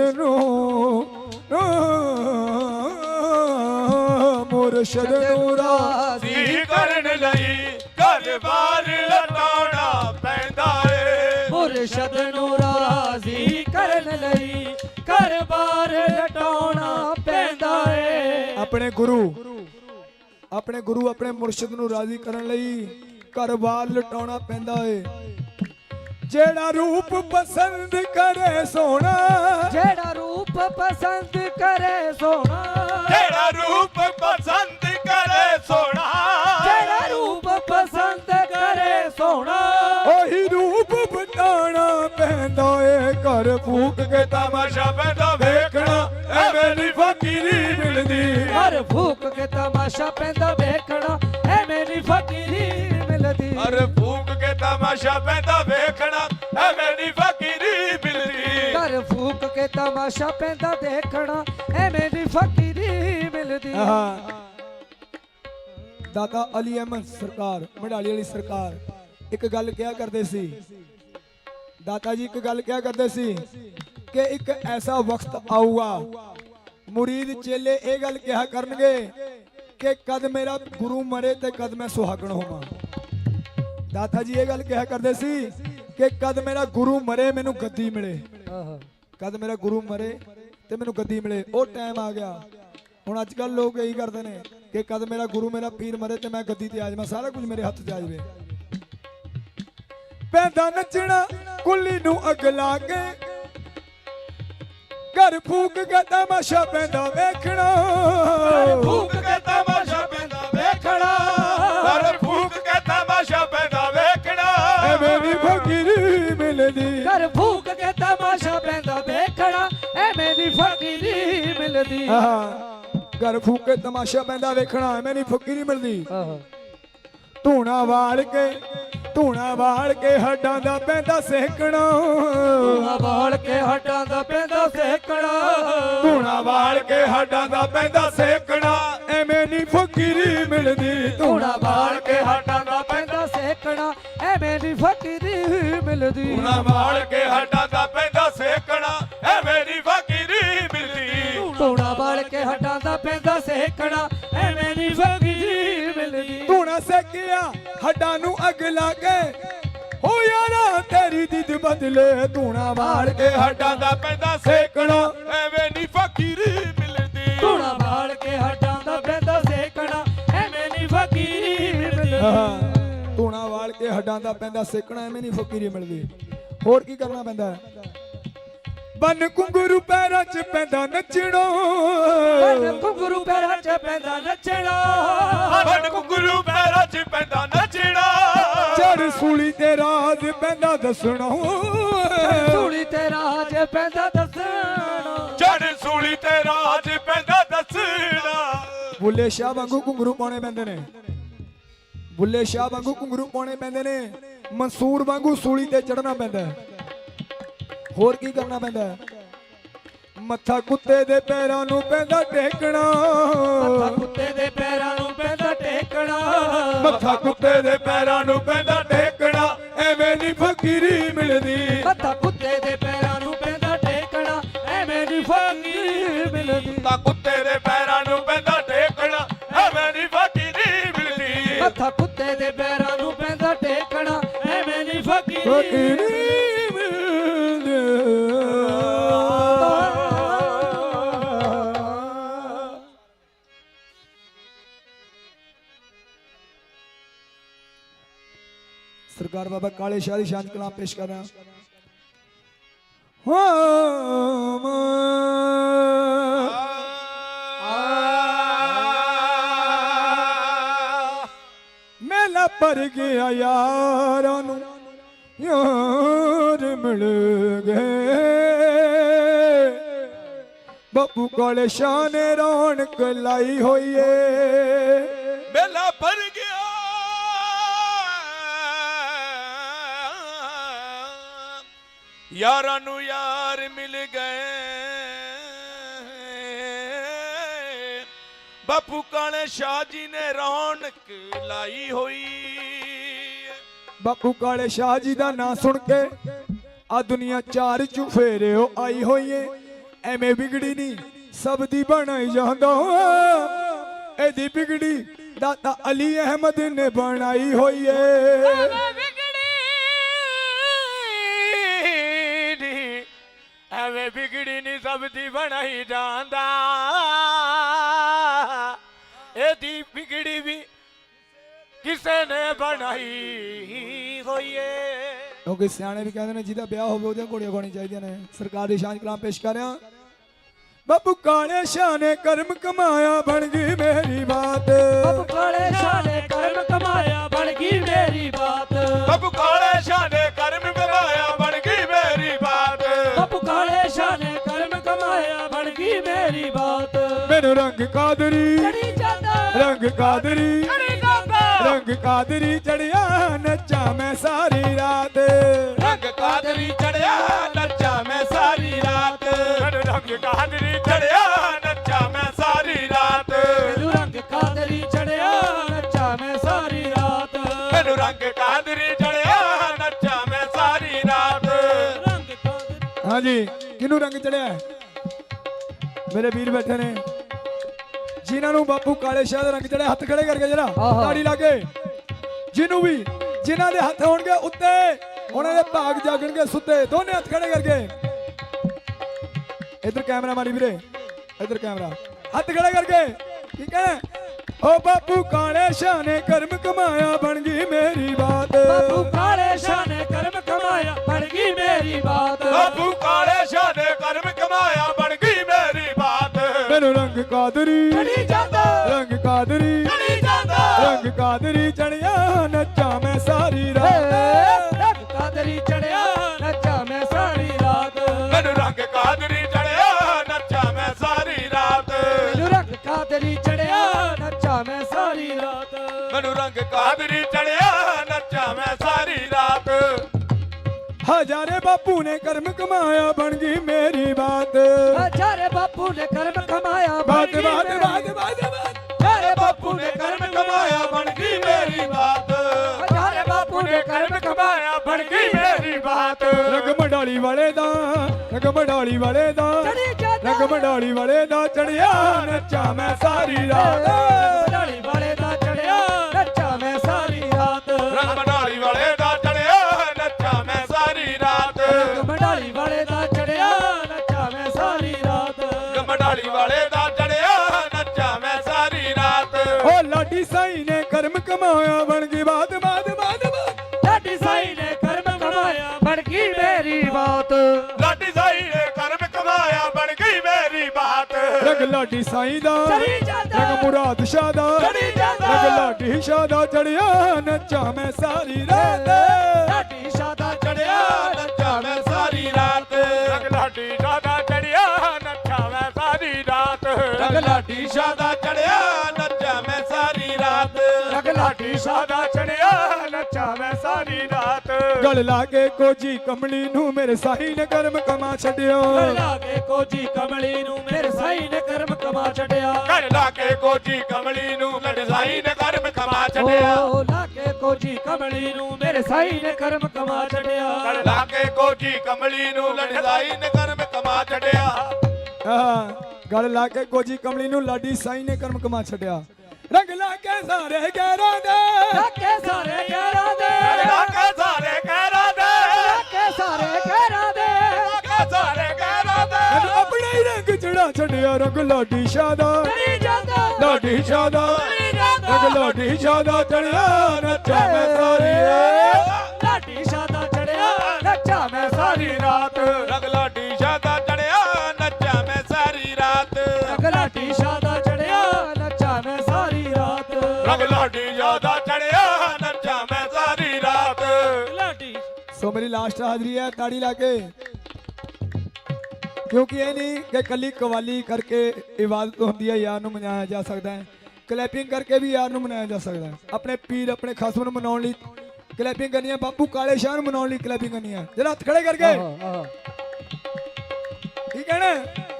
B: ਨੂੰ
A: ਰਾਜ਼ੀ ਕਰਨ ਲਈ ਘਰ-ਬਾਰ ਲਟਾਉਣਾ ਪੈਂਦਾ ਏ
C: ਮੁਰਸ਼ਦ ਨੂੰ ਰਾਜ਼ੀ ਕਰਨ ਲਈ ਘਰ-ਬਾਰ ਲਟਾਉਣਾ ਪੈਂਦਾ ਏ
B: ਆਪਣੇ ਗੁਰੂ ਆਪਣੇ ਮੁਰਸ਼ਿਦ ਨੂੰ ਰਾਜ਼ੀ ਕਰਨ ਲਈ ਘਰ-ਬਾਰ ਲਟਾਉਣਾ ਪੈਂਦਾ ਏ ਜਿਹੜਾ ਰੂਪ ਪਸੰਦ ਕਰੇ ਸੋਹਣਾ
C: ਜਿਹੜਾ ਰੂਪ ਪਸੰਦ ਕਰੇ ਸੋਹਣਾ
A: ਜਿਹੜਾ ਰੂਪ ਪਸੰਦ ਕਰੇ ਸੋਹਣਾ
C: ਜਿਹੜਾ ਰੂਪ ਪਸੰਦ ਕਰੇ ਸੋਹਣਾ
B: ਉਹੀ ਰੂਪ ਬਤਾਣਾ ਪੈਂਦਾ ਏ ਘਰ ਫੂਕ ਕੇ
A: ਤਮਾਸ਼ਾ ਪੈਂਦਾ ਵੇਖਣਾ ਐਵੇਂ ਨੀ ਫਕੀਰੀ ਮਿਲਦੀ
C: ਘਰ ਫੂਕ ਕੇ ਤਮਾਸ਼ਾ ਪੈਂਦਾ ਵੇਖਣਾ ਐਵੇਂ ਨੀ ਫਕੀਰੀ ਮਿਲਦੀ
A: ਘਰ ਫੂਕ ਕੇ ਤਮਾਸ਼ਾ ਪੈਂਦਾ ਵੇਖਣਾ ਐਵੇਂ ਨੀ ਫਕੀਰੀ ਮਿਲਦੀ
C: ਘਰ ਫੂਕ ਕੇ ਤਮਾਸ਼ਾ ਪੈਂਦਾ ਦੇਖਣਾ ਐਵੇਂ ਨੀ ਫਕੀਰੀ ਮਿਲਦੀ
B: ਦਾਤਾ ਅਲੀ ਅਹਿਮਦ ਸਰਕਾਰ ਮਢਾਲੀ ਵਾਲੀ ਸਰਕਾਰ ਇੱਕ ਗੱਲ ਕਿਹਾ ਕਰਦੇ ਸੀ ਦਾਤਾ ਜੀ ਇੱਕ ਗੱਲ ਕਿਹਾ ਕਰਦੇ ਸੀ ਕਿ ਇੱਕ ਐਸਾ ਵਕਤ ਆਊਗਾ ਮੁਰੀਦ ਚੇਲੇ ਇਹ ਗੱਲ ਕਿਹਾ ਕਰਨਗੇ ਕਿ ਕਦ ਮੇਰਾ ਗੁਰੂ ਮਰੇ ਤੇ ਕਦ ਮੈਂ ਸੁਹਾਗਣ ਹੋਵਾਂ ਦਾਤਾ ਜੀ ਇਹ ਗੱਲ ਕਿਹਾ ਕਰਦੇ ਸੀ ਕਿ ਕਦ ਮੇਰਾ ਗੁਰੂ ਮਰੇ ਮੈਨੂੰ ਗੱਦੀ ਮਿਲੇ ਕਦ ਮੇਰਾ ਗੁਰੂ ਮਰੇ ਤੇ ਮੈਨੂੰ ਗੱਦੀ ਮਿਲੇ ਉਹ ਟਾਈਮ ਆ ਗਿਆ ਹੁਣ ਅੱਜ ਕੱਲ ਲੋਕ ਇਹੀ ਕਰਦੇ ਨੇ ਕਿ ਕਦ ਮੇਰਾ ਗੁਰੂ ਮੇਰਾ ਪੀਰ ਮਰੇ ਤੇ ਮੈਂ ਗੱਦੀ ਤੇ ਆ ਜਾਵਾਂ ਸਾਰਾ ਕੁਝ ਮੇਰੇ ਹੱਥ 'ਚ ਆ ਜਾਵੇ ਪੈਂਦਾ ਨੱਚਣਾ ਕੁੱਲੀ ਨੂੰ ਅੱਗ ਲਾ ਕੇ ਘਰ ਫੂਕ ਕੇ ਤਮਾਸ਼ਾ ਪੈਂਦਾ ਵੇਖਣਾ
A: ਫੂਕ ਕੇ ਤਮਾਸ਼ਾ ਪੈਂਦਾ ਵੇਖਣਾ ਘਰ ਫੂਕ ਕੇ ਤਮਾਸ਼ਾ ਪੈਂਦਾ ਵੇਖਣਾ
B: ਐਵੇਂ ਵੀ ਫਕੀਰੀ ਮਿਲਦੀ
C: ਘਰ ਫੂਕ ਕੇ ਤਮਾਸ਼ਾ ਪੈਂਦਾ ਵੇਖਣਾ ਐਵੇਂ ਦੀ ਫਕੀਰੀ ਮਿਲਦੀ
B: ਘਰ ਫੂਕ ਕੇ ਤਮਾਸ਼ਾ ਪੈਂਦਾ ਵੇਖਣਾ ਐਵੇਂ ਨਹੀਂ ਫਕੀਰੀ ਮਿਲਦੀ ਧੂਣਾ ਵਾਲ ਕੇ ਹੱਡਾਂ ਦਾ ਪੈਂਦਾ ਸੇਕਣਾ
C: ਧੂਣਾ ਵਾਲ ਕੇ ਹੱਡਾਂ ਦਾ ਪੈਂਦਾ ਸੇਕਣਾ
B: ਧੂਣਾ ਵਾਲ ਕੇ ਹੱਡਾਂ ਦਾ ਪੈਂਦਾ ਸੇਕਣਾ ਐਵੇਂ ਨਹੀਂ ਫਕੀਰੀ ਮਿਲਦੀ
C: ਧੂਣਾ ਵਾਲ ਕੇ ਹੱਡਾਂ ਦਾ ਪੈਂਦਾ ਸੇਕਣਾ ਐਵੇਂ ਦੀ ਫਕੀਰੀ ਮਿਲਦੀ
A: ਧੂਣਾ ਵਾਲ ਕੇ ਹੱਡਾਂ ਦਾ ਪੈਂਦਾ ਸੇਕਣਾ ਐਵੇਂ ਨੀ ਫਕੀਰੀ ਮਿਲਦੀ
C: ਧੂਣਾ ਵਾਲ ਕੇ ਹੱਡਾਂ ਦਾ ਪੈਂਦਾ ਸੇਕਣਾ ਐਵੇਂ ਦੀ ਫਕੀਰੀ ਮਿਲਦੀ
B: ਧੂਣਾ ਸੇਕਿਆ ਹੱਡਾਂ ਨੂੰ ਅੱਗ ਲਾ ਕੇ ਹੋ ਯਾਰਾ ਤੇਰੀ ਦਿੱਦ ਬਦਲੇ ਧੂਣਾ ਵਾਲ ਕੇ
A: ਹੱਡਾਂ ਦਾ ਪੈਂਦਾ ਸੇਕਣਾ ਐਵੇਂ ਨੀ ਫਕੀਰੀ ਮਿਲਦੀ
C: ਧੂਣਾ ਵਾਲ ਕੇ ਹੱਡਾਂ ਦਾ ਪੈਂਦਾ ਸੇਕਣਾ ਐਵੇਂ ਨੀ ਫਕੀਰੀ ਮਿਲਦੀ
B: ਧੂਣਾ ਵਾਲ ਕੇ ਹੱਡਾਂ ਦਾ ਪੈਂਦਾ ਸੇਕਣਾ ਐਵੇਂ ਨਹੀਂ ਫਕੀਰੀ ਮਿਲਦੀ ਹੋਰ ਕੀ ਕਰਨਾ ਪੈਂਦਾ ਬਨ ਕੁੰਗਰੂ ਪੈਰਾਂ 'ਚ ਪੈਂਦਾ ਨੱਚਣਾ
C: ਬਨ ਕੁੰਗਰੂ ਪੈਰਾਂ 'ਚ ਪੈਂਦਾ ਨੱਚਣਾ
A: ਬਨ ਕੁੰਗਰੂ ਪੈਰਾਂ 'ਚ ਪੈਂਦਾ ਨੱਚਣਾ
B: ਚੜ ਸੂਲੀ ਤੇ ਰਾਜ ਪੈਂਦਾ ਦੱਸਣਾ
C: ਸੂਲੀ ਤੇ ਰਾਜ ਪੈਂਦਾ ਦੱਸਣਾ
A: ਚੜ ਸੂਲੀ ਤੇ ਰਾਜ ਪੈਂਦਾ ਦੱਸਣਾ।
B: ਬੁੱਲੇ ਸ਼ਾਹ ਵਾਂਗੂ ਘੁੰਗਰੂ ਪਾਉਣੇ ਪੈਂਦੇ ਨੇ, ਬੁੱਲੇ ਸ਼ਾਹ ਵਾਂਗੂ ਘੁੰਗਰੂ ਪਾਉਣੇ ਪੈਂਦੇ ਨੇ, ਮਨਸੂਰ ਵਾਂਗੂ ਸੂਲੀ ਤੇ ਚੜਨਾ ਪੈਂਦਾ ਹੈ। ਹੋਰ ਕੀ ਕਰਨਾ ਪੈਂਦਾ ਹੈ? ਮੱਥਾ ਕੁੱਤੇ ਦੇ ਪੈਰਾਂ ਨੂੰ ਪੈਂਦਾ ਟੇਕਣਾ,
C: ਮੱਥਾ ਕੁੱਤੇ ਦੇ ਪੈਰਾਂ ਨੂੰ ਪੈਂਦਾ ਟੇਕਣਾ,
A: ਮੱਥਾ ਕੁੱਤੇ ਦੇ ਪੈਰਾਂ ਨੂੰ ਪੈਂਦਾ ਟੇਕਣਾ, ਐਵੇਂ ਨਹੀਂ ਫਕੀਰੀ ਮਿਲਦੀ।
C: ਮੱਥਾ ਕੁੱਤੇ ਦੇ ਪੈਰਾਂ ਨੂੰ ਪੈਂਦਾ ਟੇਕਣਾ, ਐਵੇਂ ਨਹੀਂ ਫਕੀਰੀ ਮਿਲਦੀ।
A: ਤਾਂ ਕੁੱਤੇ ਦੇ ਪੈਰਾਂ ਨੂੰ ਪੈਂਦਾ ਟੇਕਣਾ, ਐਵੇਂ ਨਹੀਂ ਫਕੀਰੀ ਮਿਲਦੀ।
C: ਮੱਥਾ ਕੁੱਤੇ ਦੇ ਪੈਰਾਂ ਨੂੰ ਪੈਂਦਾ ਟੇਕਣਾ, ਐਵੇਂ ਨਹੀਂ ਫਕੀਰੀ
B: ਸਰਕਾਰ ਬਾਬਾ ਕਾਲੇ ਸ਼ਾਹ ਦੀ ਸ਼ਾਨ ਕਲਾਮ ਪੇਸ਼ ਕਰ ਰਿਹਾ। ਮੇਲਾ ਭਰ ਗਿਆ ਯਾਰਾਂ ਨੂੰ ਯਾਰ ਮਿਲ ਗਏ, ਬਾਪੂ ਕਾਲੇ ਸ਼ਾਹ ਨੇ ਰੌਣਕ ਲਾਈ ਹੋਈ ਏ।
A: ਮੇਲਾ ਭਰ ਗਿਆ ਯਾਰਾਂ ਨੂੰ ਯਾਰ ਮਿਲ ਗਏ, ਬਾਪੂ ਕਾਲੇ ਸ਼ਾਹ ਜੀ ਨੇ ਰੌਣਕ ਲਾਈ ਹੋਈ।
B: ਬਾਪੂ ਕਾਲੇ ਸ਼ਾਹ ਜੀ ਦਾ ਨਾਂ ਸੁਣ ਕੇ ਆ ਦੁਨੀਆ ਚਾਰ ਚੁਫੇਰਿਓ ਆਈ ਹੋਈ ਏ। ਐਵੇਂ ਵਿਗੜੀ ਨਹੀਂ ਸਭ ਦੀ ਬਣਾਈ ਜਾਂਦਾ, ਇਹਦੀ ਵਿਗੜੀ ਦਾਤਾ ਅਲੀ ਅਹਿਮਦ ਨੇ ਬਣਾਈ ਹੋਈ ਏ।
A: ਐਵੇਂ ਵਿਗੜੀ ਨਹੀਂ ਸਭ ਦੀ ਬਣਾਈ ਜਾਂਦਾ, ਇਹਦੀ ਵਿਗੜੀ ਵੀ ਕਿਸੇ ਨੇ ਬਣਾਈ ਹੋਈ ਏ।
B: ਕਿਉਂਕਿ ਸਿਆਣੇ ਵੀ ਕਹਿੰਦੇ ਨੇ ਜਿਹਦਾ ਵਿਆਹ ਹੋਵੇ ਉਹਦੀਆਂ ਘੋੜੀਆਂ ਗਾਉਣੀਆਂ ਚਾਹੀਦੀਆਂ ਨੇ। ਸਰਕਾਰ ਦੀ ਸ਼ਾਨ ਕਲਾਮ ਪੇਸ਼ ਕਰ ਰਿਹਾ। ਬਾਪੂ ਕਾਲੇ ਸ਼ਾਹ ਨੇ ਕਰਮ ਕਮਾਇਆ ਬਣ ਗਈ ਮੇਰੀ ਬਾਤ,
C: ਬਾਪੂ ਕਾਲੇ ਸ਼ਾਹ ਨੇ ਕਰਮ ਕਮਾਇਆ ਬਣ ਗਈ ਮੇਰੀ ਬਾਤ,
A: ਬਾਪੂ ਕਾਲੇ ਸ਼ਾਹ ਨੇ ਕਰਮ ਕਮਾਇਆ ਬਣ ਗਈ ਮੇਰੀ ਬਾਤ,
C: ਬਾਪੂ ਕਾਲੇ ਸ਼ਾਹ ਨੇ ਕਰਮ ਕਮਾਇਆ ਬਣ ਗਈ ਮੇਰੀ ਬਾਤ।
B: ਮੈਨੂੰ ਰੰਗ ਕਾਦਰੀ
C: ਚੜੀ ਜਾਂਦਾ,
B: ਰੰਗ ਕਾਦਰੀ
C: ਚੜੀ ਜਾਂਦਾ,
B: ਰੰਗ ਕਾਦਰੀ ਚੜਿਆ ਨੱਚਾਂ ਮੈਂ ਸਾਰੀ ਰਾਤ,
A: ਰੰਗ ਕਾਦਰੀ ਚੜਿਆ ਨੱਚਾ ਮੈਂ ਸਾਰੀ ਰਾਤ, ਰੰਗ ਕਾਦਰੀ ਚੜਿਆ ਨੱਚਾ ਮੈਂ ਸਾਰੀ ਰਾਤ,
C: ਮੈਨੂੰ ਰੰਗ ਕਾਦਰੀ ਚੜਿਆ ਨੱਚਾ ਮੈਂ ਸਾਰੀ ਰਾਤ,
A: ਮੈਨੂੰ ਰੰਗ ਕਾਦਰੀ ਚੜਿਆ ਨੱਚਾ ਮੈਂ ਸਾਰੀ ਰਾਤ।
C: ਰੰਗ ਕਾਦਰੀ
B: ਹਾਂਜੀ ਕਿਹਨੂੰ ਰੰਗ ਚੜਿਆ? ਮੇਰੇ ਵੀਰ ਬੈਠੇ ਨੇ ਜਿਨ੍ਹਾਂ ਨੂੰ ਬਾਪੂ ਕਾਲੇ ਸ਼ਾਹ ਦਾ ਰੰਗ ਚੜਿਆ, ਹੱਥ ਖੜੇ ਕਰਕੇ ਜਰਾ ਤਾੜੀ ਲਾ ਕੇ। ਜਿਹਨੂੰ ਵੀ ਜਿਨ੍ਹਾਂ ਦੇ ਹੱਥ ਹੋਣਗੇ ਉੱਤੇ ਉਹਨਾਂ ਦੇ ਭਾਗ ਜਾਗਣਗੇ ਸੁੱਤੇ, ਦੋਨੇ ਹੱਥ ਖੜੇ ਕਰਕੇ। ਇਧਰ ਕੈਮਰਾ ਮਾਰੀ ਵੀਰੇ, ਇਧਰ ਕੈਮਰਾ, ਹੱਥ ਖੜੇ ਕਰਕੇ। ਠੀਕ ਹੈ। ਓ ਬਾਪੂ ਕਾਲੇ ਸ਼ਾਹ ਨੇ ਕਰਮ ਕਮਾਇਆ ਬਣ ਗਈ ਮੇਰੀ ਬਾਤ,
C: ਬਾਪੂ ਕਾਲੇ ਸ਼ਾਹ ਨੇ ਕਰਮ ਕਮਾਇਆ ਬਣ ਗਈ ਮੇਰੀ ਬਾਤ,
A: ਬਾਪੂ ਕਾਲੇ ਸ਼ਾਹ ਨੇ ਕਰਮ ਕਮਾਇਆ ਬਣ ਗਈ ਮੇਰੀ ਬਾਤ,
B: ਮੈਨੂੰ ਰੰਗ ਕਾਦਰੀ
C: ਚੜੀ ਜਾਂਦਾ,
B: ਰੰਗ ਕਾਦਰੀ
C: ਚੜੀ ਜਾਂਦਾ,
B: ਰੰਗ ਕਾਦਰੀ ਚੜਿਆ ਨੱਚਾਂ ਮੈਂ ਸਾਰੀ ਰਾਤ,
C: ਰੰਗ ਕਾਦਰੀ ਚੜਿਆ ਨੱਚਾ ਮੈਂ ਸਾਰੀ ਰਾਤ,
A: ਮੈਨੂੰ ਰੰਗ ਕਾਦਰੀ ਚੜਿਆ ਨੱਚਾ ਮੈਂ ਸਾਰੀ ਰਾਤ,
C: ਮੈਨੂੰ ਰੰਗ ਕਾਦਰੀ ਚੜਿਆ ਨੱਚਾ ਮੈਂ ਸਾਰੀ ਰਾਤ,
A: ਮੈਨੂੰ ਰੰਗ ਕਾਦਰੀ ਚੜਿਆ ਨੱਚਾ ਮੈਂ ਸਾਰੀ ਰਾਤ।
B: ਹਜ਼ਾਰੇ ਬਾਪੂ ਨੇ ਕਰਮ ਕਮਾਇਆ ਬਣ ਗਈ ਮੇਰੀ ਬਾਤ,
C: ਹਜ਼ਾਰੇ ਬਾਪੂ ਨੇ ਕਰਮ ਕਮਾਇਆ ਬਣ
B: ਬਾਤ
C: ਗਈ
B: ਬਾਤ
C: ਮੇਰੀ
B: ਬਾਤ ਬਾਤ
C: ਹਜ਼ਾਰੇ
A: ਬਾਪੂ ਨੇ ਕਰਮ ਕਮਾਇਆ ਬਣ ਗਈ ਮੇਰੀ ਬਾਤ,
C: ਹਜ਼ਾਰੇ ਬਾਪੂ ਨੇ ਕਰਮ
A: ਕਮਾਇਆ ਬਣ ਗਈ ਮੇਰੀ ਬਾਤ,
B: ਰੰਗ ਮੰਡਾਲੀ ਵਾਲੇ ਦਾ, ਰੰਗ ਮੰਡਾਲੀ ਵਾਲੇ ਦਾ,
C: ਚੜੀ ਜਾਂਦਾ,
B: ਰੰਗ ਮੰਡਾਲੀ ਵਾਲੇ ਦਾ ਚੜਿਆ ਨੱਚਾਂ ਮੈਂ ਸਾਰੀ ਰਾਤ,
C: ਮੰਡਾਲੀ ਵਾਲੇ ਦਾ ਚੜਿਆ ਨੱਚਾ ਮੈਂ ਸਾਰੀ ਰਾਤ,
A: ਰੰਗ ਮੰਡਾਲੀ ਵਾਲੇ ਦਾ ਚੜਿਆ ਨੱਚਾ ਮੈਂ ਸਾਰੀ ਰਾਤ,
C: ਮੰਡਾਲੀ ਵਾਲੇ ਦਾ ਚੜਿਆ ਨੱਚਾ ਮੈਂ ਸਾਰੀ ਰਾਤ,
A: ਮੰਡਾਲੀ ਵਾਲੇ ਦਾ ਚੜਿਆ ਨੱਚਾ ਮੈਂ ਸਾਰੀ ਰਾਤ,
B: ਓ ਲਾਡੀ ਸਾਈ ਨੇ ਕਰਮ ਕਮਾਇਆ ਬਣ ਗਈ ਬਾਤ ਬਾਤ ਬਾਤ ਬਾਤ,
C: ਲਾਡੀ ਸਾਈ ਨੇ ਕਰਮ ਕਮਾਇਆ ਬਣ ਗਈ ਮੇਰੀ ਬਾਤ,
A: ਲਾਡੀ ਸਾਈ ਨੇ ਕਰਮ ਕਮਾਇਆ ਬਣ ਗਈ ਮੇਰੀ ਬਾਤ,
B: ਰੰਗ ਲਾਡੀ ਸਾਈ ਦਾ,
C: ਚੜੀ ਜਾਂਦਾ,
B: ਰੰਗ ਮੁਰਾਦ ਸ਼ਾਹ ਦਾ,
C: ਚੜੀ ਜਾਂਦਾ,
B: ਰੰਗ ਲਾਡੀ ਸ਼ਾਹ ਦਾ ਚੜਿਆ ਨੱਚਾਂ ਮੈਂ ਸਾਰੀ ਰਾਤ,
C: ਲਾਡੀ ਸ਼ਾਹ ਦਾ
A: ਚੜਿਆ ਨੱਚਾ ਮੈਂ ਸਾਰੀ ਰਾਤ, ਰੰਗ ਲਾਡੀ ਸ਼ਾਹ ਦਾ ਚੜਿਆ ਨੱਚਾ ਮੈਂ ਲਾਡੀ ਸ਼ਾਹ ਦਾ ਚੜਿਆ ਨੱਚਾਂ ਮੈਂ ਸਾਰੀ ਰਾਤ
C: ਰੰਗ ਲਾਡੀ ਸ਼ਾਹ ਦਾ ਚੜਿਆ ਨੱਚਾਂ ਮੈਂ ਸਾਰੀ ਰਾਤ
B: ਗਲ ਲਾ ਕੇ ਕੋਜੀ ਕਮਲੀ ਨੂੰ ਮੇਰੇ ਸਾਈ ਨੇ ਕਰਮ ਕਮਾ ਛੱਡਿਓ
C: ਲਾ ਕੇ ਕੋਜੀ ਕਮਲੀ ਨੂੰ ਮੇਰੇ ਸਾਈ ਨੇ ਕਰਮ ਕਮਾ ਛੱਡਿਆ
A: ਘਰ ਲਾ ਕੇ ਕੋਜੀ ਕਮਲੀ ਨੂੰ ਮੇਰੇ ਸਾਈ ਨੇ ਕਰਮ ਕਮਾ ਛੱਡਿਆ
C: ਓ ਲਾ ਕੇ ਕੋਜੀ ਕਮਲੀ ਨੂੰ ਮੇਰੇ ਸਾਈ ਨੇ ਕਰਮ ਕਮਾ ਛੱਡਿਆ
A: ਘਰ ਲਾ ਕੇ ਕੋਜੀ ਕਮਲੀ ਨੂੰ ਲੜਾਈ ਨੇ ਕਰਮ ਕਮਾ ਛੱਡਿਆ
B: ਗਲ ਲਾ ਕੇ ਕੋਜੀ ਕਮਲੀ ਨੂੰ ਲਾਡੀ ਸਾਈ ਨੇ ਕਰਮ ਕਮਾ ਛੱਡਿਆ ਰੰਗ ਲਾ ਕੇ ਸਾਰੇ ਗੈਰਾਂ ਦੇ
C: ਕੇ ਸਾਰੇ ਯਾਰਾਂ ਦੇ
A: ਲਾ ਕੇ ਸਾਰੇ ਕਹਿਰਾਂ ਦੇ
C: ਕੇ ਸਾਰੇ ਘਰਾਂ ਦੇ
A: ਲਾ ਕੇ ਸਾਰੇ ਕਹਿਰਾਂ ਦੇ
B: ਮੈਨੂੰ ਆਪਣਾ ਹੀ ਰੰਗ ਚੜਾ ਛੱਡਿਆ ਰੰਗ ਲਾਡੀ ਸ਼ਾਹ ਦਾ
C: ਚੜੀ ਜਾਂਦਾ
B: ਲਾਡੀ ਸ਼ਾਹ ਦਾ
C: ਚੜੀ ਜਾਂਦਾ
B: ਰੰਗ ਲਾਡੀ ਸ਼ਾਹ ਦਾ ਚੜਿਆ ਨੱਚਾਂ ਮੈਂ ਸਾਰੀ ਰਾਤ
C: ਲਾਡੀ ਸ਼ਾਹ ਦਾ ਚੜਿਆ ਨੱਚਾਂ ਮੈਂ ਸਾਰੀ ਰਾਤ
A: ਰੰਗ ਲਾਡੀ ਸ਼ਾਹ ਦਾ ਚੜਿਆ ਨੱਚਾਂ ਮੈਂ ਸਾਰੀ ਰਾਤ
C: ਰੰਗ ਲਾਡੀ ਸ਼ਾਹ ਦਾ ਚੜਿਆ ਨੱਚਾਂ ਮੈਂ ਸਾਰੀ ਰਾਤ
A: ਰੰਗ ਲਾਡੀ ਸ਼ਾਹ ਦਾ ਚੜਿਆ ਨੱਚਾਂ ਮੈਂ ਸਾਰੀ ਰਾਤ
C: ਲਾਡੀ
B: ਸੋ ਮੇਰੀ ਲਾਸਟ ਹਾਜ਼ਰੀ ਹੈ ਤਾੜੀ ਲਾ ਕੇ ਕਿਉਂਕਿ ਇਹ ਨਹੀਂ ਕਿ ਕੱਲੀ ਕਵਾਲੀ ਕਰਕੇ ਇਬਾਦਤ ਹੁੰਦੀ ਹੈ ਯਾਰ ਨੂੰ ਮਨਾਇਆ ਜਾ ਸਕਦਾ ਹੈ ਕਲੈਪਿੰਗ ਕਰਕੇ ਵੀ ਯਾਰ ਨੂੰ ਮਨਾਇਆ ਜਾ ਸਕਦਾ ਹੈ ਆਪਣੇ ਪੀਰ ਆਪਣੇ ਖਾਸਮ ਨੂੰ ਮਨਾਉਣ ਲਈ ਕਲੈਪਿੰਗ ਕਰਨੀ ਹੈ ਬਾਪੂ ਕਾਲੇ ਸ਼ਾਹ ਨੂੰ ਮਨਾਉਣ ਲਈ ਕਲੈਪਿੰਗ ਕਰਨੀ ਹੈ ਜਰਾ ਹੱਥ ਖੜੇ ਕਰਕੇ ਠੀਕ ਹੈ ਨਾ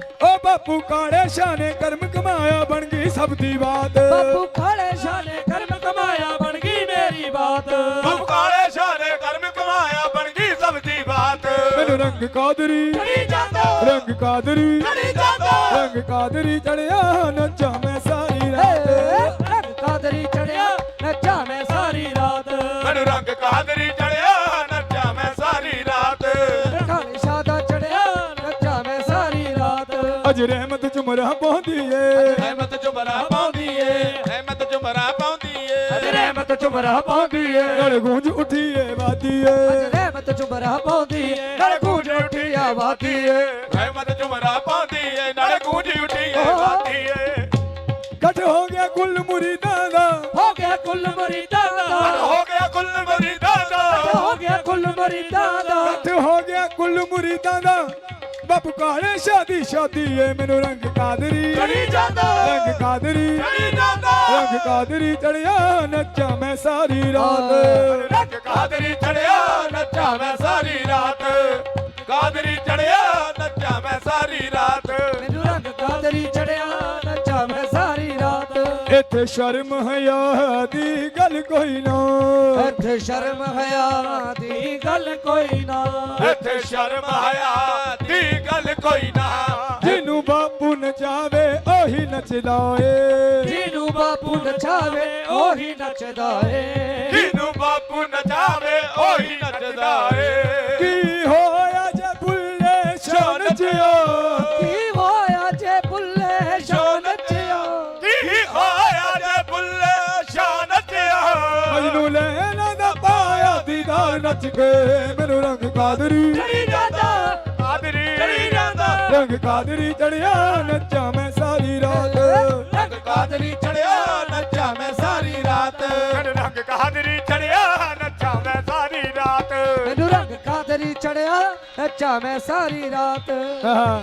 B: ਓ ਬਾਪੂ ਕਾਲੇ ਸ਼ਾਹ ਨੇ ਕਰਮ ਕਮਾਇਆ ਬਣ ਗਈ ਸਭ ਦੀ ਬਾਤ
C: ਬਾਪੂ ਕਾਲੇ ਸ਼ਾਹ ਨੇ ਕਰਮ ਕਮਾਇਆ ਬਣ ਗਈ ਮੇਰੀ ਬਾਤ
A: ਬਾਬੂ ਕਾਲੇ ਸ਼ਾਹ ਨੇ ਕਰਮ ਕਮਾਇਆ ਬਣ ਗਈ ਸਭ ਦੀ ਬਾਤ
B: ਮੈਨੂੰ ਰੰਗ ਕਾਦਰੀ
C: ਚੜੀ ਜਾਂਦਾ
B: ਰੰਗ ਕਾਦਰੀ
C: ਚੜੀ ਜਾਂਦਾ
B: ਰੰਗ ਕਾਦਰੀ ਚੜਿਆ ਨੱਚਾਂ ਮੈਂ ਸਾਰੀ ਰਾਤ
C: ਰੰਗ ਕਾਦਰੀ ਚੜਿਆ ਨੱਚਾਂ ਮੈਂ ਸਾਰੀ ਰਾਤ
A: ਮੈਨੂੰ ਰੰਗ ਕਾਦਰੀ ਚੜਿਆ ਨੱਚਾਂ ਮੈਂ ਸਾਰੀ ਰਾਤ
C: ਕਾਲੇ ਸ਼ਾਹ ਦਾ ਚੜਿਆ ਨੱਚਾਂ ਮੈਂ ਸਾਰੀ ਰਾਤ
B: ਅਜ ਰਹਿਮਤ ਚੁਮਰਾ ਪਾਉਂਦੀ ਏ
A: ਰਹਿਮਤ ਚੁਮਰਾ ਪਾਉਂਦੀ ਏ ਰਹਿਮਤ ਚੁਮਰਾ ਪਾਉਂਦੀ ਏ
C: ਰਹਿਮਤ ਚੁਮਰਾ ਪਾਉਂਦੀ ਏ
B: ਗਲ ਗੂੰਜ ਉੱਠੀ ਏ ਵਾਦੀ ਏ
C: ਰਹਿਮਤ ਚੁਮਰਾ ਪਾਉਂਦੀ ਏ ਨਾਲ ਗੂੰਜ ਉੱਠੀ ਆਵਾਦੀ ਏ
A: ਰਹਿਮਤ ਚੁਮਰਾ ਪਾਉਂਦੀ ਏ ਨਾਲੇ ਗੂੰਜੀ ਉੱਠੀ ਏ ਵਾਦੀ ਏ
B: ਇਕੱਠ ਹੋ ਗਿਆ ਕੁੱਲ ਮੁਰੀਦਾਂ ਦਾ
C: ਹੋ ਗਿਆ ਕੁੱਲ ਮਰੀਦਾਂ ਦਾ
A: ਹੋ ਗਿਆ ਕੁੱਲ ਮਰੀਦਾਂ ਦਾ
C: ਹੋ ਗਿਆ ਕੁੱਲ ਮਰੀਦਾਂ ਦਾ
B: ਇਕੱਠ ਹੋ ਗਿਆ ਕੁੱਲ ਮੁਰੀਦਾਂ ਦਾ ਬਾਪੂ ਕਾਲੇ ਸ਼ਾਦੀ ਸ਼ਾਦੀ ਏ ਮੈਨੂੰ ਰੰਗ ਕਾਦਰੀ
C: ਚੜੀ ਜਾਂਦਾ
B: ਰੰਗ ਕਾਦਰੀ
A: ਚੜੀ ਜਾਂਦਾ
B: ਰੰਗ ਕਾਦਰੀ ਚੜਿਆ ਨੱਚਾਂ ਮੈਂ ਸਾਰੀ ਰਾਤ
A: ਰੰਗ ਕਾਦਰੀ ਚੜਿਆ ਨੱਚਾਂ ਮੈਂ ਸਾਰੀ ਰਾਤ ਕਾਦਰੀ ਚੜਿਆ ਨੱਚਾਂ ਮੈਂ ਸਾਰੀ ਰਾਤ
C: ਮੈਨੂੰ ਰੰਗ ਕਾਦਰੀ ਚੜਿਆ ਨੱਚਾਂ ਮੈਂ ਸਾਰੀ ਰਾਤ
B: ਇੱਥੇ ਸ਼ਰਮ ਹਯਾ ਦੀ ਗੱਲ ਕੋਈ ਨਾ
C: ਇੱਥੇ ਸ਼ਰਮ ਹਿਆ ਦੀ ਗੱਲ ਕੋਈ ਨਾ
A: ਇੱਥੇ ਸ਼ਰਮ ਆਇਆ ਦੀ ਗੱਲ ਕੋਈ ਨਾ
B: ਜਿਹਨੂੰ ਬਾਪੂ ਨਚਾਵੇ ਉਹੀ ਨੱਚਦਾ ਏ
C: ਜਿਹਨੂੰ ਬਾਪੂ ਨਚਾਵੇ ਉਹੀ ਨੱਚਦਾ ਏ
A: ਜਿਹਨੂੰ ਬਾਪੂ ਨਚਾਵੇ ਉਹੀ ਨੱਚਦਾ ਏ
B: ਕੀ ਹੋਇਆ ਜੇ ਬੁੱਲੇ ਸ਼ਾਨ ਜਿਓ
C: ਕੀ ਹੋਇਆ ਜੇ ਬੁੱਲੇ ਸ਼ਾਹ ਨੱਚਿਆ
A: ਕੀ ਹੋਇਆ ਜੇ ਬੁੱਲੇ ਸ਼ਾਹ ਨੱਚਿਆ
B: ਮਜਨੂ ਲੈਣਾ ਦਾ ਪਾਇਆ ਦੀਦਾਰ ਨੱਚ ਕੇ ਮੈਨੂੰ ਰੰਗ ਕਾਦਰੀ
C: ਚੜੀ ਜਾਂਦਾ
A: ਕਾਦਰੀ ਚੜੀ ਜਾਂਦਾ
B: ਰੰਗ ਕਾਦਰੀ ਚੜਿਆ ਨੱਚਾਂ ਮੈਂ ਸਾਰੀ ਰਾਤ
A: ਰੰਗ ਕਾਦਰੀ ਚੜਿਆ ਨੱਚਾਂ ਮੈਂ ਸਾਰੀ ਰਾਤ ਰੰਗ ਕਾਦਰੀ ਚੜਿਆ ਨੱਚਾਂ ਮੈਂ ਸਾਰੀ ਰਾਤ
C: ਮੈਨੂੰ ਰੰਗ ਕਾਦਰੀ ਚੜਿਆ ਨੱਚਾਂ ਮੈਂ ਸਾਰੀ ਰਾਤ
B: ਆਹਾ।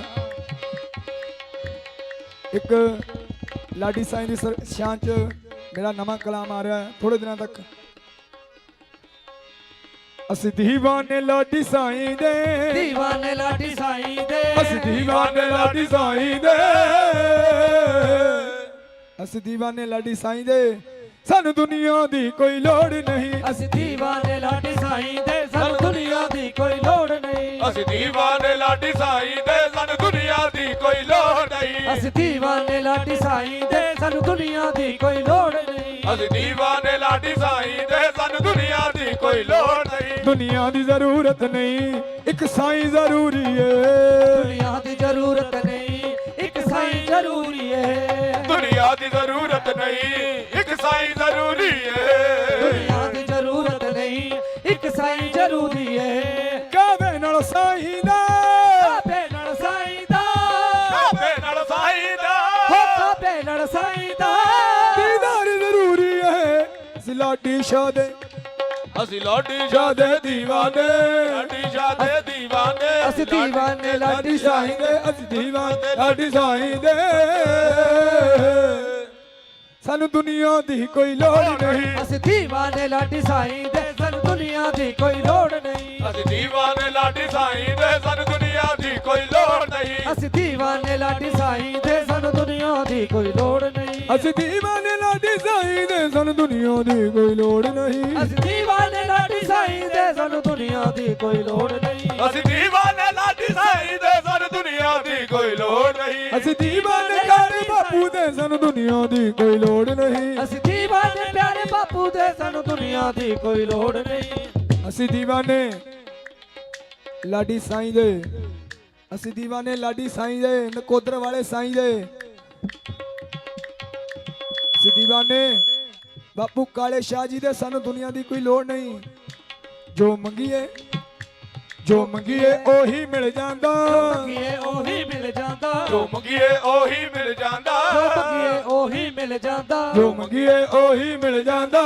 B: ਇੱਕ ਲਾਡੀ ਸਾਈਂ ਦੀ ਸ਼ਾਨ ਚ ਮੇਰਾ ਨਵਾਂ ਕਲਾਮ ਆ ਰਿਹਾ ਹੈ ਥੋੜੇ ਦਿਨਾਂ ਤੱਕ ਅਸੀਂ ਦੀਵਾਨੇ ਲਾਡੀ ਸਾਈਂ ਦੇ
C: ਦੀਵਾਨੇ ਲਾਡੀ ਸਾਈਂ ਦੇ
B: ਅਸੀਂ ਦੀਵਾਨੇ ਲਾਡੀ ਸਾਈਂ ਦੇ ਅਸੀਂ ਦੀਵਾਨੇ ਲਾਡੀ ਸਾਈਂ ਦੇ ਸਾਨੂੰ ਦੁਨੀਆ ਦੀ ਕੋਈ ਲੋੜ ਨਹੀਂ
C: ਅਸੀਂ ਦੀਵਾਨੇ ਲਾਡੀ ਸਾਈਂ ਦੇ ਸਾਨੂੰ ਦੁਨੀਆ ਦੀ ਕੋਈ ਲੋੜ ਨਹੀਂ
A: ਅਸੀਂ ਦੀਵਾਨੇ ਲਾਡੀ ਸਾਈਂ ਦੇ ਸਾਨੂੰ ਦੁਨੀਆ ਦੀ ਕੋਈ ਲੋੜ ਨਹੀਂ
C: ਅਸੀਂ ਦੀਵਾਨੇ ਲਾਡੀ ਸਾਈਂ ਦੇ ਸਾਨੂੰ ਦੁਨੀਆ ਦੀ ਕੋਈ ਲੋੜ ਨਹੀਂ
A: ਅਸੀਂ ਦੀਵਾਨੇ ਲਾਡੀ ਸਾਈਂ ਦੇ ਸਾਨੂੰ ਦੁਨੀਆ ਦੀ ਕੋਈ ਲੋੜ ਨਹੀਂ
B: ਦੁਨੀਆ ਦੀ ਜ਼ਰੂਰਤ ਨਹੀਂ ਇੱਕ ਸਾਈਂ ਜ਼ਰੂਰੀ ਏ
C: ਦੁਨੀਆ ਦੀ ਜ਼ਰੂਰਤ ਨਹੀਂ ਇੱਕ ਸਾਈਂ ਜ਼ਰੂਰੀ ਏ
A: ਦੁਨੀਆ ਦੀ ਜ਼ਰੂਰਤ ਨਹੀਂ ਇੱਕ ਸਾਈਂ ਜ਼ਰੂਰੀ ਏ
C: ਦੁਨੀਆ ਦੀ ਜ਼ਰੂਰਤ ਨਹੀਂ ਇੱਕ ਸਾਈਂ ਜ਼ਰੂਰੀ ਏ
B: ਕਾਵੇ ਨਾਲ ਸਾਈਂ ਦਾ
C: ਕਾਬੇ ਨਾਲ ਸਾਈਂ ਦਾ
A: ਕਾਬੇ ਨਾਲ ਸਾਈਂ ਦਾ
C: ਹੋ ਕਾਬੇ ਨਾਲ ਸਾਈਂ ਦਾ
B: ਦੀਦਾਰ ਜ਼ਰੂਰੀ ਏ ਅਸੀਂ ਲਾਡੀ ਸ਼ਾਹ ਦੇ
A: ਅਸੀਂ ਲਾਡੀ
B: ਸ਼ਾਹ ਦੇ ਦੀਵਾਨੇ
A: ਲਾਡੀ ਸ਼ਾਹ ਦੇ ਦੀਵਾਨੇ
C: ਅਸੀਂ ਦੀਵਾਨੇ ਲਾਡੀ
B: ਲਾਡੀ
C: ਸਾਈਂ
B: ਸਾਈਂ ਦੇ ਅਸੀਂ ਦੀਵਾਨੇ ਲਾਡੀ ਸਾਈਂ ਦੇ ਸਾਨੂੰ ਦੁਨੀਆ ਦੀ ਕੋਈ ਲੋੜ ਨਹੀਂ।
C: ਅਸੀਂ ਦੀਵਾਨੇ ਲਾਡੀ ਸਾਈਂ ਦੇ ਸਾਨੂੰ ਦੁਨੀਆ ਦੀ ਕੋਈ ਲੋੜ ਨਹੀਂ।
A: ਅਸੀਂ ਦੀਵਾਨੇ ਲਾਡੀ ਸਾਈਂ ਦੇ ਸਾਨੂੰ ਦੁਨੀਆ ਦੀ ਕੋਈ ਲੋੜ ਨਹੀਂ।
C: ਅਸੀਂ ਦੀਵਾਨੇ ਲਾਡੀ ਸਾਈਂ ਦੇ ਸਾਨੂੰ ਦੁਨੀਆ ਦੀ ਕੋਈ ਲੋੜ ਨਹੀਂ।
B: ਅਸੀਂ ਦੀਵਾਨੇ ਲਾਡੀ ਸਾਈਂ ਦੇ ਸਾਨੂੰ ਦੁਨੀਆ ਦੀ ਕੋਈ ਲੋੜ ਨਹੀਂ।
C: ਅਸੀਂ ਦੀਵਾਨੇ ਲਾਡੀ ਸਾਈਂ ਦੇ ਸਾਨੂੰ ਦੁਨੀਆ ਦੀ ਕੋਈ ਲੋੜ ਨਹੀਂ।
A: ਅਸੀਂ ਦੀਵਾਨੇ ਲਾਡੀ ਸਾਈਂ ਦੇ ਸਾਨੂੰ ਦੁਨੀਆ ਦੀ ਕੋਈ ਲੋੜ ਨਹੀਂ।
B: ਅਸੀਂ ਦੀਵਾਨੇ ਪਿਆਰੇ ਬਾਪੂ ਦੇ ਸਾਨੂੰ ਦੁਨੀਆ ਦੀ ਕੋਈ ਲੋੜ ਨਹੀਂ।
C: ਅਸੀਂ ਦੀਵਾਨੇ ਪਿਆਰੇ ਬਾਪੂ ਦੇ ਸਾਨੂੰ ਦੁਨੀਆ ਦੀ ਕੋਈ ਲੋੜ ਨਹੀਂ।
B: ਅਸੀਂ ਦੀਵਾਨੇ ਲਾਡੀ ਸਾਈਂ ਦੇ, ਅਸੀਂ ਦੀਵਾਨੇ ਲਾਡੀ ਸਾਈਂ ਦੇ, ਨਕੋਦਰ ਵਾਲੇ ਸਾਈਂ ਦੇ। ਅਸੀਂ ਦੀਵਾਨੇ ਬਾਪੂ ਕਾਲੇ ਸ਼ਾਹ ਜੀ ਦੇ, ਸਾਨੂੰ ਦੁਨੀਆ ਦੀ ਕੋਈ ਲੋੜ ਨਹੀਂ। ਜੋ ਮੰਗੀਏ ਉਹੀ ਮਿਲ ਜਾਂਦਾ।
C: ਮੰਗੀਏ ਉਹੀ ਮਿਲ ਜਾਂਦਾ।
A: ਜੋ ਮੰਗੀਏ ਉਹੀ ਮਿਲ ਜਾਂਦਾ।
C: ਜੋ ਮੰਗੀਏ ਉਹੀ ਮਿਲ ਜਾਂਦਾ।
B: ਜੋ ਮੰਗੀਏ ਉਹੀ ਮਿਲ ਜਾਂਦਾ।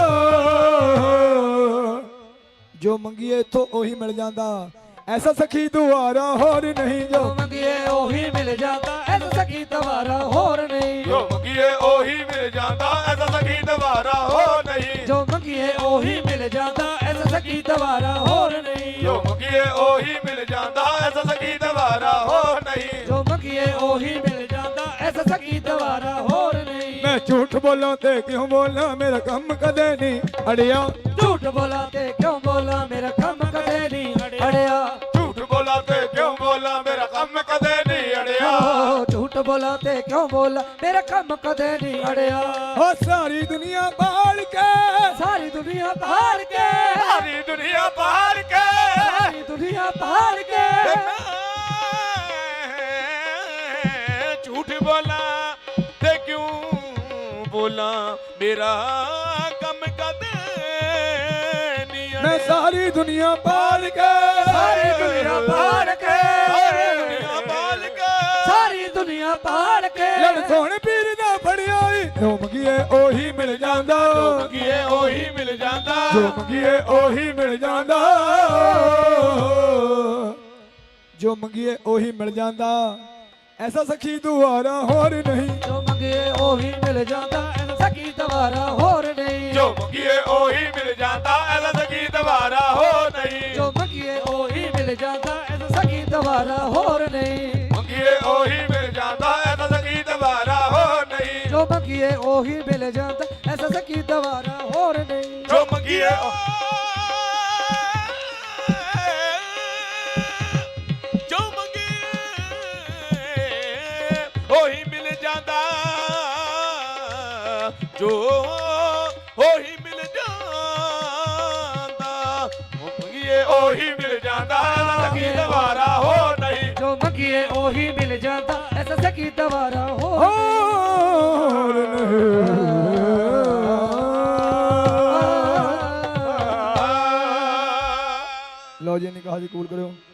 B: ਜੋ ਮੰਗੀਏ ਇੱਥੋਂ ਉਹੀ ਮਿਲ ਜਾਂਦਾ। ਐਸਾ ਸਖੀ ਦੁਆਰਾ ਹੋਰ ਨਹੀਂ।
C: ਜੋ ਮੰਗੀਏ ਉਹੀ ਮਿਲ ਜਾਂਦਾ। ਐਸਾ ਸਖੀ ਦੁਬਾਰਾ ਹੋਰ ਨਹੀਂ।
A: ਜੋ ਮੰਗੀਏ ਉਹੀ ਮਿਲ ਜਾਂਦਾ। ਐਸਾ ਸਖੀ ਦੁਬਾਰਾ ਹੋਰ ਨਹੀਂ।
C: ਜੋ ਮੰਗੀਏ ਉਹੀ ਮਿਲ ਜਾਂਦਾ। ਐਸਾ ਸਖੀ ਦੁਬਾਰਾ ਹੋਰ ਨਹੀਂ।
A: ਜੋ ਮੰਗੀਏ ਉਹੀ ਮਿਲ ਜਾਂਦਾ। ਐਸਾ ਸਖੀ ਦੁਬਾਰਾ ਹੋਰ ਨਹੀਂ।
C: ਜੋ ਮੰਗੀਏ ਉਹੀ ਮਿਲ ਜਾਂਦਾ। ਐਸਾ ਸਖੀ ਦੁਬਾਰਾ ਹੋਰ ਨਹੀਂ।
B: ਮੈਂ ਝੂਠ ਬੋਲਾਂ ਤੇ ਕਿਉਂ ਬੋਲਾਂ, ਮੇਰਾ ਕੰਮ ਕਦੇ ਨਹੀਂ ਅੜਿਆ।
C: ਝੂਠ ਬੋਲਾਂ ਤੇ ਕਿਉਂ ਬੋਲਾਂ, ਮੇਰਾ ਕੰਮ ਕਦੇ ਨਹੀਂ ਅੜਿਆ।
A: ਝੂਠ ਬੋਲਾਂ ਤੇ ਕਿਉਂ ਬੋਲਾਂ, ਮੇਰਾ ਕੰਮ ਕਦੇ ਨਹੀਂ ਅੜਿਆ।
C: ਝੂਠ ਬੋਲਾਂ ਤੇ ਕਿਉਂ ਬੋਲਾਂ, ਮੇਰਾ ਕੰਮ ਕਦੇ ਨਹੀਂ ਅੜਿਆ।
B: ਹੋ ਸਾਰੀ ਦੁਨੀਆ ਬਾਲ ਕੇ,
C: ਸਾਰੀ ਦੁਨੀਆ ਪਹਾੜ ਕੇ,
A: ਸਾਰੀ ਦੁਨੀਆ ਪਾੜ ਕੇ,
C: ਸਾਰੀ ਦੁਨੀਆ ਪਹਾੜ ਕੇ।
A: ਮੈਂ ਝੂਠ ਬੋਲਾਂ ਤੇ ਕਿਉਂ ਬੋਲਾਂ, ਮੇਰਾ ਕੰਮ ਕਦੇ ਨਹੀਂ ਅੜਿਆ।
B: ਮੈਂ ਸਾਰੀ ਦੁਨੀਆ ਬਾਲ ਕੇ,
C: ਸਾਰੀ ਦੁਨੀਆ ਪਹਾੜ ਕੇ,
A: ਸਾਰੀ ਦੁਨੀਆ ਪਾੜ ਕੇ,
C: ਸਾਰੀ ਦੁਨੀਆ ਪਹਾੜ ਕੇ।
B: ਲੜ ਸੋਹਣ ਪੀਰ ਦਾ ਫੜਿਆ ਈ, ਜੋ ਮੰਗੀਏ ਉਹੀ ਮਿਲ ਜਾਂਦਾ।
A: ਜੋ ਮੰਗੀਏ ਉਹੀ ਮਿਲ ਜਾਂਦਾ।
B: ਜੋ ਮੰਗੀਏ ਉਹੀ ਮਿਲ ਜਾਂਦਾ। ਜੋ ਮੰਗੀਏ ਉਹੀ ਮਿਲ ਜਾਂਦਾ। ਐਸਾ ਸਖੀ ਦੁਆਰਾ ਹੋਰ ਨਹੀਂ।
C: ਜੋ ਮੰਗੀਏ ਉਹੀ ਮਿਲ ਜਾਂਦਾ। ਐਸਾ ਸਖੀ ਦੁਬਾਰਾ ਹੋਰ ਨਹੀਂ।
A: ਜੋ ਮੰਗੀਏ ਉਹੀ ਮਿਲ ਜਾਂਦਾ। ਐਸਾ ਸਖੀ ਦੁਬਾਰਾ ਹੋ ਨਹੀਂ।
C: ਜੋ ਮੰਗੀਏ ਉਹੀ ਮਿਲ ਜਾਂਦਾ। ਐਸਾ ਸਖੀ ਦੁਬਾਰਾ ਹੋਰ ਨਹੀਂ।
A: ਮੰਗੀਏ ਉਹੀ ਮਿਲ ਜਾਂਦਾ। ਐਸਾ ਸਖੀ ਦੁਬਾਰਾ ਹੋ ਨਹੀਂ।
C: ਜੋ ਮੰਗੀਏ ਉਹੀ ਮਿਲ ਜਾਂਦਾ। ਐਸਾ ਸਖੀ ਦੁਬਾਰਾ ਹੋਰ ਨਹੀਂ।
A: ਜੋ ਮੰਗੀਏ ਜੋ ਮੰਗੀਏ ਉਹੀ ਮਿਲ ਜਾਂਦਾ। ਜੋ ਉਹੀ ਮਿਲ ਜਾਂਦਾ। ਮੰਗੀਏ ਉਹੀ ਮਿਲ ਜਾਂਦਾ। ਸਖੀ ਦੁਬਾਰਾ ਹੋ ਨਹੀਂ।
C: ਜੋ ਮੰਗੀਏ ਉਹੀ ਮਿਲ ਜਾਂਦਾ। ਐਸਾ ਸਖੀ ਦੁਬਾਰਾ ਹੋਰ
B: ਹੋਰ ਨਹੀਂ। ਲਓ ਜੀ ਨਿਕਾਹ ਦੀ ਕਬੂਲ ਕਰਿਓ।